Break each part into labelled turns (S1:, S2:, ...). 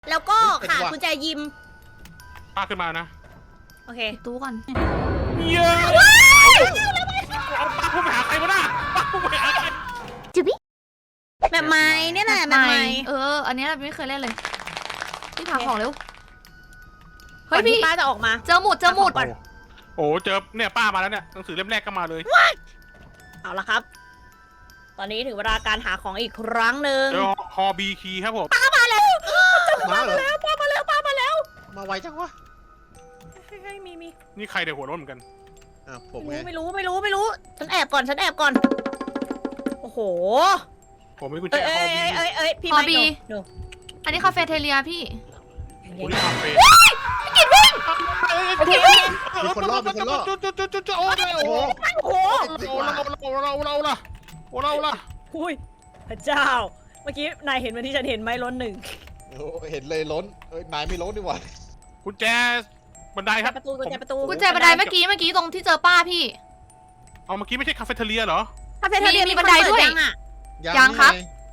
S1: แล้วก็ขาดกุญแจยิม
S2: ป้าขึ้นมานะ
S1: โอเค
S3: ตู้ก่อน
S2: เยอะเอาป้าพูดไปหาใครวะน่ะป้าพูดไปหาใคร
S1: แบบไม้เนี่ยแหละแบบไม้
S3: อันนี้เราไม่เคยเล่นเลยพี่พาของเร็ว
S1: เฮ้
S3: เฮ้
S1: ย
S3: ย
S1: พี่
S3: พี่
S1: ป้าจะออกมา
S3: เจอหมุด
S1: ก่อน
S2: โอ้เจอเนี่ยป้ามาแล้วเนี่ยหนังสือเล่มแรกก็มาเลย
S1: เอาละครับ ตอนนี้ถึงเวลาการหาของอีกครั้งหนึ่ง
S2: เจอฮอบีคีครับผม
S1: มาแล้ว
S4: มาเหรอ
S1: ป้ามาแล้ว
S4: มาไวจังวะ
S1: เฮ้ยมี
S2: นี่ใครเดี๋ยวหัวร้อนเหมือนกัน
S4: ผมไง
S1: ไม่รู้ฉันแอบก่อนโอ้โห
S2: ผมมีกุญแจ
S1: เอ้
S2: ฮอบี
S1: ยพี่
S3: ฮอ
S1: ไม่
S3: บี
S1: ดู
S3: อันนี้คาเฟ่เทเลียพี่
S2: คุณคาเฟ่
S4: มีคนรอบมีคนรอบ
S2: โอ้โห
S1: โอ้โห
S2: เราล่ะ
S1: อุ้ยพระเจ้า เมื่อกี้นายเห็นวันที่ฉันเห็นไหมล้นหนึ่ง
S4: โอ้เห็นเลยล้นนายไม่ล้นดีกว่า
S2: กุญแจบันไดครับ
S1: ประตูกุญแจประตู
S3: กุญแจบันไดเมื่อกี้ตรงที่เจอป้าพี่
S2: เอาเมื่อกี้ไม่ใช่คาเฟ่เทเลียเหรอ
S1: คาเฟ่เทเลีย
S3: มีบันไดด้วย
S1: อะ
S3: ยังครับ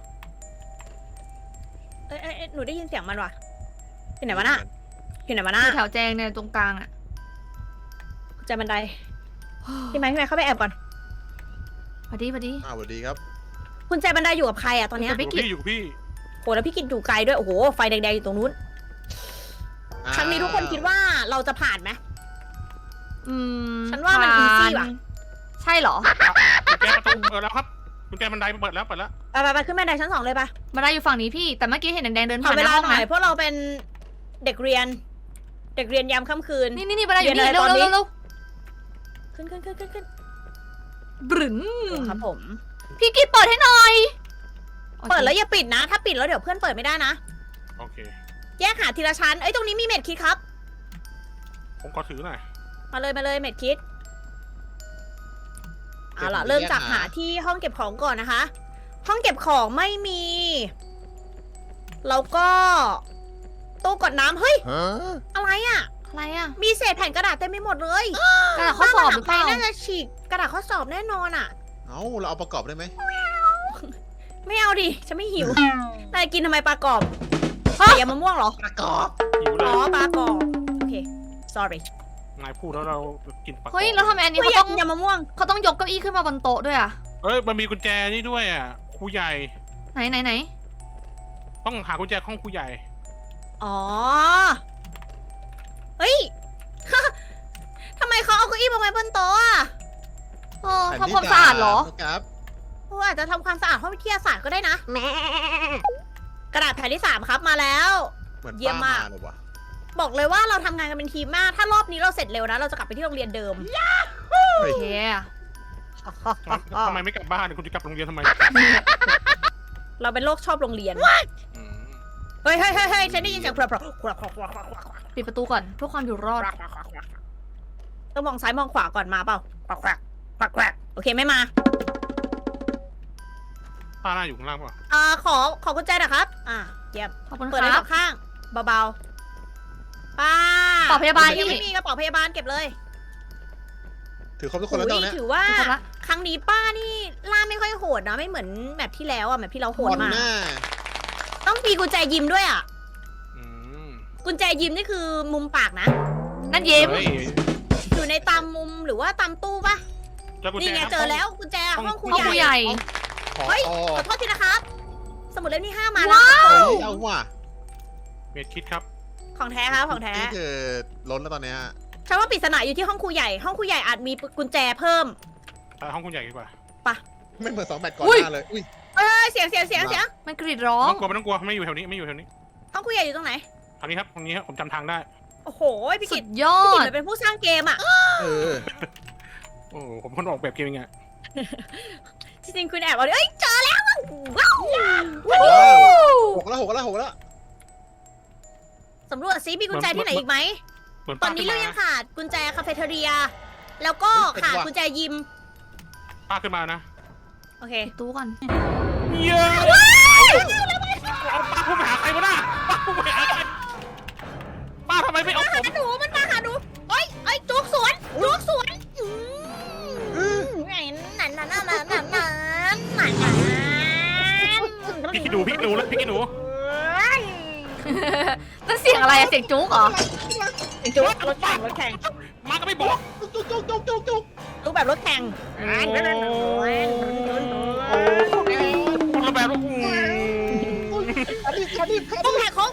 S1: เอ้ยหนูได้ยินเสียงมันว่ะที่ไหนวะน่ะที่ไหนวะน่ะ
S3: อยู่แถวแจงเนี่ยตรงกลางอ่ะ
S1: กุญแจบันไดพี่ไม้เข้าไปแอบก่อน
S3: พอดี
S4: สวัสดีครับ
S1: กุญแจบันไดอยู่กับใครอะตอนเนี้ย
S2: อยู่พี่
S1: โหแล้วพี่กินอยู่ไกลด้วยโอ้โหไฟแดงๆอยู่ตรงนู้นครั้งนี้ทุกคนคิดว่าเราจะผ่านไหม ฉันว่ามัน easy ว่ะ
S3: ใช่เหรอ
S2: กุญแจประตูแล้วครับกุญแจบันไดเปิดแล้ว
S1: ไปขึ้นบันไดชั้น 2เลยปะ
S3: บันไดอยู่ฝั่งนี้พี่ แต่เมื่อกี้เห็นแดงๆเดิน
S1: ขอ
S3: ผ่านห
S1: เว
S3: น้า
S1: ลา
S3: ห้อง
S1: หน่อย
S3: นะ
S1: เพราะเราเป็นเด็กเรียนยามค่ำคืน
S3: นี่บันไดอยู่นี่
S1: เรียนอะไร
S3: เร็ว
S1: ตอนนี้
S3: เร็ว
S1: ขึ้น
S3: บรึ้น
S1: ครับผม
S3: พี่กิ๊ดเปิดให้หน่อย
S1: เปิดแล้วอย่าปิดนะ ถ้าปิดแล้วเดี๋ยวเพื่อนเปิดไม่ได้นะ
S2: โอเค
S1: แยกหาทีละชั้นเอ้ยตรงนี้มีเม็ดคิดครับ
S2: ผมขอถือหน่อย
S1: มาเลยเม็ดคิดเอาล่ะเริ่มจากหาที่ห้องเก็บของก่อนนะคะ ห้องเก็บของไม่มีแล้วก็ตู้กดน้ำเฮ้ยอะไรอะ
S3: อะไรอ่ะ
S1: มีเศษแผ่นกระดาษเต็มไปหมดเลย
S3: กระดาษข้อสอบหรือเปล่า
S1: น่าจะฉีกกระดาษข้อสอบแน่นอนอะ
S4: เราเอาประกอบได้ไหม
S1: ไม่เอาดิฉันไม่หิวนายกินทำไมปลากรอบยำมะม่วงเหรอ
S4: ประกอบ
S2: หิวเล
S1: อ๋อย ปลากรอบโอเค sorry
S2: นายพูดแล้วเรากินปลา
S3: เฮ้ยแล้วทำไมอันนี้
S1: ไม่
S3: เขา
S1: อยา
S3: ต้
S1: ก
S3: อง
S1: ยำมะม่วง
S3: เขาต้องยกเก้าอี้ขึ้นมาบนโต๊ะด้วยอ่ะ
S2: เอ้ยมันมีกุญแจนี่ด้วยอ่ะครูใหญ่
S3: ไหน
S2: ต้องหากุญแจห้องครูใหญ่
S1: อ๋อเฮ้ย ทำไมเขาเอาเก้าอี้มาไว้บนโต๊ะอะ
S3: ทำความสะอาดเหรอ
S4: ครับ
S1: โอ้อาจจะทำความสะอาดห้องวิทยาศาสตร์ก็ได้นะกระดาษแผ่นที่ 3 ครับมาแล้ว
S4: เหมือน
S1: เยี่ยมมาก
S4: เลยว่ะ
S1: บอกเลยว่าเราทำงานกันเป็นทีมมาก ถ้ารอบนี้เราเสร็จเร็วนะ เราจะกลับไปที่โรงเรียนเดิม
S3: โอเค
S2: ทำไมไม่กลับบ้านคุณจะกลับโรงเรียนทำไม
S1: เราเป็นโรคชอบโรงเรียน
S2: อืม
S1: เฮ้ยฉันได้ยินเสียงครับ
S3: ปิดประตูก่อนเพื่อความอยู่รอด
S1: ต้องมองซ้ายมองขวาก่อนมาเปล่าโอเคไม่มา
S2: ป้าหน้าอยู่ข้างล่างป่ะ
S1: ขอกุญแจหนะครับ เยี่ยม
S3: ขอบคุณ
S1: เปิด
S3: ค
S1: ได้
S3: รั
S1: ส
S3: บ
S1: องข้างเบาๆป้า
S3: เป๋าพยาบาล
S1: ยัง
S3: พี่
S1: ไม่มีกระเป๋าพยาบาลเก็บเลย
S4: ถือครบทุกคนแล้วตอนนี้
S1: ถือว่า
S3: ครบละ
S1: ครั้งนี้ป้านี่ล่าไม่ค่อยโหดนะไม่เหมือนแบบที่แล้วอะแบบที่เราโหดมาก
S4: หน้า
S1: ต้องมีกุญแจยิมด้วยอะ
S2: อืม
S1: กุญแจยิมนี่คือมุมปากนะ
S3: นั่นยิ้ม
S2: เฮ้ย
S1: อยู่ในตามมุมหรือว่าตามตู้ปะ
S2: เจอกุญแจ
S1: นี่ไง
S2: ครับ
S1: เจอแล้วกุญแจห้องครู
S3: ห้องครู
S1: ให
S3: ให
S1: ญ่
S3: ญ่
S4: ขอ
S1: เฮ้ย
S4: อ๋อ
S1: ขอโทษทีนะครับ สมุดเล่มที่ 5 มา
S3: ว้า
S1: แล้ว
S3: ว
S4: เอาว่ะ
S2: เมดคิดครับ
S1: ของแท้ครับของแท้
S4: นี่คือล้นแล้วตอนเนี้ย
S1: ฉันว่าปริศนาอยู่ที่ห้องครูใหญ่ ห้องครูใหญ่อาจมีกุญแจเพิ่ม
S2: ไปห้องคุณใหญ่ดีกว่า
S4: ไม่เหมือน2 แมตช์ก่อน
S3: อุ้ย
S4: หน้าเลยอุ้ย
S1: เสียง
S3: มันกรีดร้อ
S2: ไม่
S3: ง
S2: ต้องกลัวไม่อยู่แถวนี้
S1: ห้องครูใหญ่อยู่ตรงไหน
S2: ทางนี้ครับตรงนี้ครับผมจำทางได้
S1: โอ้โหพี่
S3: สุ
S1: กิต
S3: ดยอ
S1: พี่กิต
S3: ด
S1: มันเป็นผู้สร้างเกมอะ
S4: เออ
S2: โอ้ผมคนออกแบบเกมยังไง
S1: จริงๆคุณแอบเอาดิเอ้ยเจอแล้วว้าว
S4: 6 แล้ว
S1: สำรวจซิมีกุญแจที่ไหนอีกไหม
S2: เหมือน
S1: ตอ
S2: ป้าน
S1: นี้
S2: ขึ้น
S1: เรา
S2: มา
S1: ยังขาดกุญแจคาเฟ่เทเรีย แล้วก็ขาดกุญแจยิม
S2: ป้าขึ้นมานะ
S1: โอเค
S3: ตู้ก่อน
S2: เยอะเอาป้าพูดไปหาใครวะน่ะป้าพูดไปหาใครป้าทำไมไม่เอาผม
S1: มันมาหาหนูเอ้ยจุกสวนนั่น
S2: พี่กินหนูแล้วพี่กินหนู
S3: นั่นเสียงอะไรอะเสียงจุ๊กเหรอ
S1: จุ๊กรถแข่งรถแข่ง
S2: มาก็ไม่บอก
S4: จุกจุกจุกจุกจุก
S1: รูปแบบรถแข่ง
S2: คนละแบบ
S1: ต้องแหกโค้ง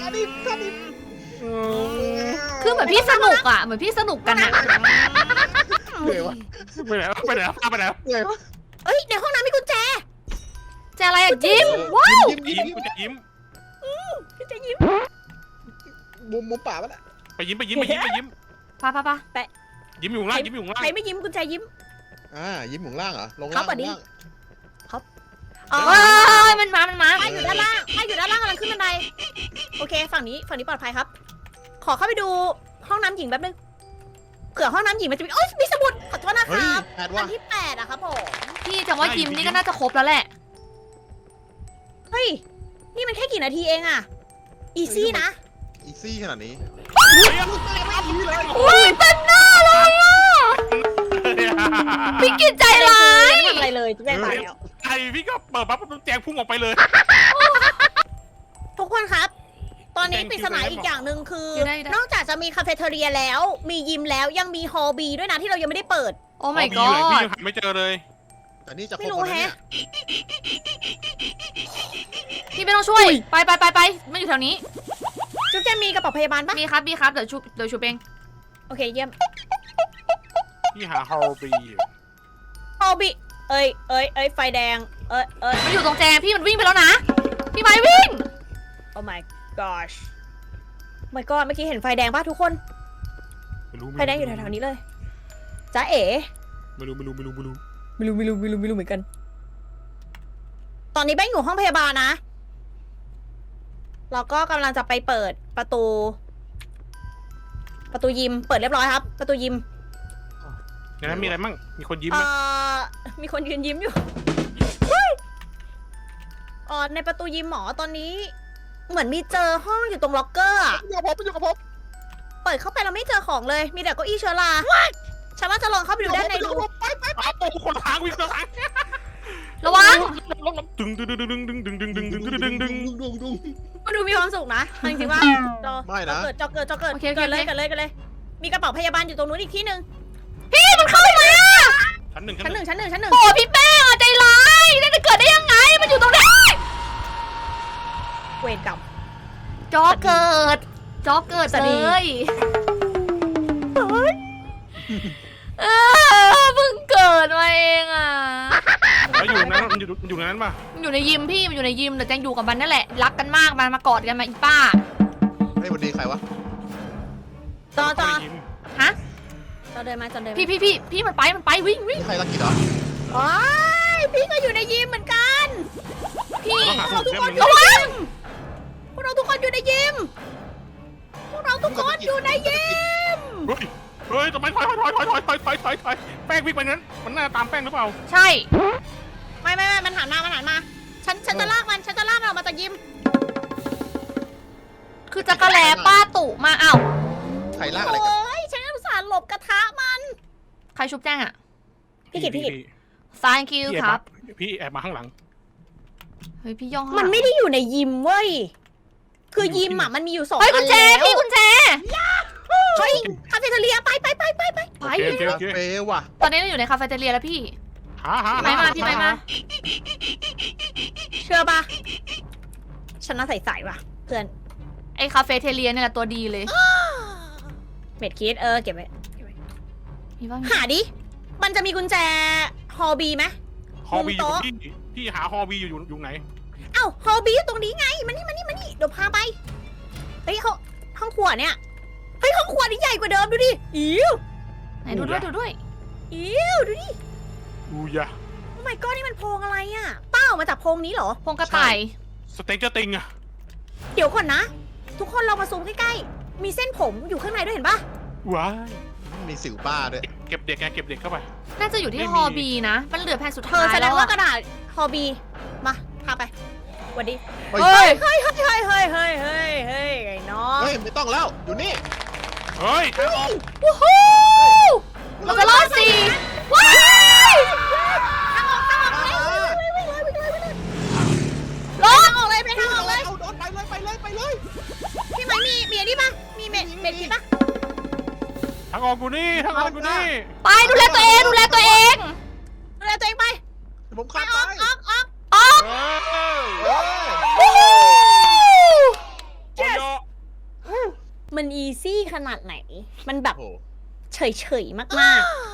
S3: คือเหมือนพี่สนุกอะเหมือนพี่สนุกกันอะ
S4: เหนื่อยวะ
S2: ไปไหนไปไหนไปไหน
S4: เหนื่อยวะ
S1: เอ้ยในห้องน้ำมีกุญแจ
S3: จะอะไรอะยิ้มว้าว
S2: ยิ้มกูจะยิ้ม
S1: กุญแจยิ้ม
S4: มุมป่ามันอะ
S2: ไปยิ้มไปยิ้มไปยิ้มไปยิ้ม
S3: ปะ
S2: ยิ้มอยู่ล่างยิ้มอยู่ล่าง
S1: ใครไม่ยิ้มกุญแจยิ้ม
S4: ยิ้มหมุนล่างเหรอลง
S1: ครั
S4: ล่า
S1: บ
S4: ง
S1: สวัสดี
S4: ลงล่าง
S1: อ๋อ
S3: เอ้ยมันมา
S1: ป้าอยู่ด้านล่างป้าอยู่ด้านล่างกำลังขึ้นบันไดโอเคฝั่งนี้ปลอดภัยครับ ขอเข้าไปดูห้องน้ำหญิงแป๊บนึงเผื่อห้องน้ำหญิงมันจะมีโอ๊ยมีสมุดขอโทษนะค
S4: เฮ้ย
S1: รับ
S4: แปด
S1: อั
S4: ว่ะ
S1: นที่8อะครับผม
S3: พี่จะว่ายิ้มนี่ก็น่าจะครบแล้วแหละ
S1: เฮ้ยนี่มันแค่กี่นาทีเองอะอีซี่นะ
S4: อีซี่ขนาดนี้
S3: อุ้ยเต็มหน้าเลยอ่ะพี่กินใจร้าย
S1: ไม่ทำอะไรเลยแจ้งตายแล้ว
S2: ไอพี่ก็เปิดปั๊บมันแจงพุ่งออกไปเลย
S1: ทุกคนครับ ตอนนี้
S2: แจ้ง
S1: ปริศนาอีกอย่างหนึ่งคือ
S3: ได้
S1: นอกจากจะมีคาเฟ่เทอเรียแล้ว มียิมแล้วยังมีฮอลบีด้วยนะที่เรายังไม่ได้เปิด
S3: โอ้ my
S2: พี่อยู่ไหนพี่
S3: god
S2: ยังหาไม่เจอเลย
S4: แต่นี่จะคร
S1: ไม่
S4: บ
S1: รู้
S4: หมดแล้วเนี่ย
S1: แฮะ
S3: พี่ไม่ต้องช่วยไปไม่อยู่แถวนี้
S1: จุ๊บแจมีกระเป๋าพยาบาลปะ
S3: มีครับเดี๋ยวชูเอง
S1: โอเคเยี่ยม
S2: พี่หาฮอลบี
S1: ฮอลบีเอ้ยไฟแดงเอ้ย
S3: มันอยู่ตรงแจพี่มันวิ่งไปแล้วนะพี่ไม้วิ่ง
S1: Oh my gosh my god เมื่อกี้เห็นไฟแดงป่ะทุกคน ไฟแดงอยู่แถวๆนี้เลยจ้าเอ๋
S2: ไม่รู้
S1: ไม่รู้เหมือนกัน ตอนนี้แบงค์อยู่ห้องพยาบาลนะ เราก็กำลังจะไปเปิดประตูยิม เปิดเรียบร้อยครับ ประตูยิม
S2: ในนั้นมีอะไรมั่งมีคนยิ้มไหม
S1: มีคนยืนยิ้มอยู่เฮ้ยในประตูยิมหมอตอนนี้ เหมือนมีเจอห้องอยู่ตรงล็อกเกอร์อะ
S4: อยู่กับผม
S1: เปิดเข้าไปเราไม่เจอของเลย มีแต่เก้าอี้เชื้อราฉันว่าจะลองเข้าไปดูด้านในดู
S2: อ้าวคนทางวิ่งคนทาง
S3: ระวัง
S2: ดึง
S4: ดุง
S1: มันดูมีความสุขนะเอาจริงๆว่าจอ
S4: ไม่นะ
S1: จอเกิด
S3: โอเค
S1: เกิดเลย มีกระเป๋าพยาบาลอยู่ตรงนู้นอีกที่หนึ่ง
S3: พี่มันเข้ามา
S2: ชั้นหนึ่ง
S1: ชั้นหนึ่ง
S3: โอ้พี่แป้งใจร้ายนั่นจะเกิดได้ยังไงมันอยู่ตรงนี้
S1: เวรกรรม
S3: จอเกิด
S1: สวัส
S3: เล
S1: ดี
S3: ยเพิ่งเกิดมาเองอ่ะ
S2: แล้วอยู่นั้นมันอยู่ในนั้นป่ะ
S3: มันอยู่ในยิมพี่มันอยู่ในยิมแต่แจงอยู่กับมันนั่นแหละรักกันมากมันมากอดกันมาอีป้า
S4: เฮ้ยวันดีใครวะ
S1: จอ
S3: ฮะ
S1: เดินมา
S3: พี่มันไปวิ่ง
S4: ใครรักกิจเหรอ
S1: โอ้ยพี่ก็อยู่ในยิมเหมือนกัน
S3: พี่
S2: ต้องหาสมุดเล่มนึง
S3: ระวัง
S1: พวกเราทุกคนอยู่ในยิม
S2: เฮ้ยทำไมถอยแป้งวิ่งไปนั้นมันน่าตามแป้งหรือเปล่า
S3: ใช่
S1: ไม่มันหันมาฉันจะลากมันออกมาจากยิม
S3: คือจักรแลป้าตุมาอ้าว
S4: ใครลากอะไรกัน
S1: โอ้ยฉันอุตส่าห์หลบกระทะมัน
S3: ใครชุบแจ้งอ่ะ
S1: พี่กิต
S3: thank you ครับ
S2: พี่แอบมาข้างหลัง
S3: เฮ้ยพี่ย่อง
S1: มันไม่ได้อยู่ในยิมเว้ย คือยิมมันมีอยู่2
S3: เฮ้ย
S1: อั
S3: กุ
S1: น
S3: ญแจ
S1: แล้ว
S3: พี่กุญแจ
S1: เฮ้ยคาเฟ่เทเรียไป
S3: ไป
S4: คาเฟ่ว่ะ
S3: ตอนนี้เราอยู่ในคาเฟ่เทเรียแล้วพี่ พี่ไม้มา
S1: เชื่อปะฉันน่าใส่ว่ะ เพื่อน
S3: ไอคาเฟ่เทเรียเนี่ยแหละตัวดีเลย
S1: เม็ดคิดเก็บไว้
S3: มีว่า
S1: หาดิ มันจะมีกุญแจฮอลบีไหม
S2: ฮอบีอยู่พี่หาฮอบีอยู่ไหน
S1: เอ้าฮอลบีอยู่ตรงนี้ไงมานี่เดี๋ยวพาไป เฮ้ยเขาห้องครัวเนี่ย เฮ้ยห้องครัวนี่ใหญ่กว่าเดิมดูดิอิ๋ว
S3: ไหนดูด้วย
S1: อิ๋วดูดิ
S2: อูยะ
S1: โอ้ my god นี่มันโพรงอะไรอ่ะเป้ามาจากโพรงนี้เหรอ
S3: พงกระต่าย
S2: สเต็กจะติงอะ
S1: เดี๋ยวก่อนนะ ทุกคนเรามาซูมใกล้ๆ มีเส้นผมอยู่ข้างในด้วยเห็นปะ
S2: ว้าย
S4: มีสิวป้าด้วย
S2: เก็บเด็กเข้าไป
S3: น่าจะอยู่ที่
S2: ไม่มี
S3: ฮอบีนะ มันเหลือแผ่นสุด
S1: เธ
S3: ท้า
S1: อย แสด
S3: แล้
S1: ง
S3: ว
S1: ว่า
S3: อะ
S1: กระดาษฮอบีมาพาไปสวัสดี
S4: เฮ้ย
S3: เฮ้ย
S1: เฮ้ยไอ้น้อง
S4: เฮ้ยไม่ต้องแล้วอยู่นี่
S2: เฮ้ยทางออก
S3: วู้ฮู้เราจะรอดสิว้าย
S1: รอทางออกเลยไปทางออกเลย
S4: เอาโดนไปเลย
S1: พี่เป็นคิดปะ
S2: ทางออกกูนี่ทางออกกูนี่
S3: ไปดูแลตัวเองดูแลตัวเอง
S1: ดูแลตัวเองไป
S4: ผม
S1: ไป
S4: ข้าม
S1: อ
S4: ไป
S1: อกออกออก
S3: ออก
S2: เออ
S3: วู้ฮู้
S2: โย
S1: มันอีซี่ขนาดไหน มันแบบ
S4: โอ้โห
S1: เฉยๆมากๆ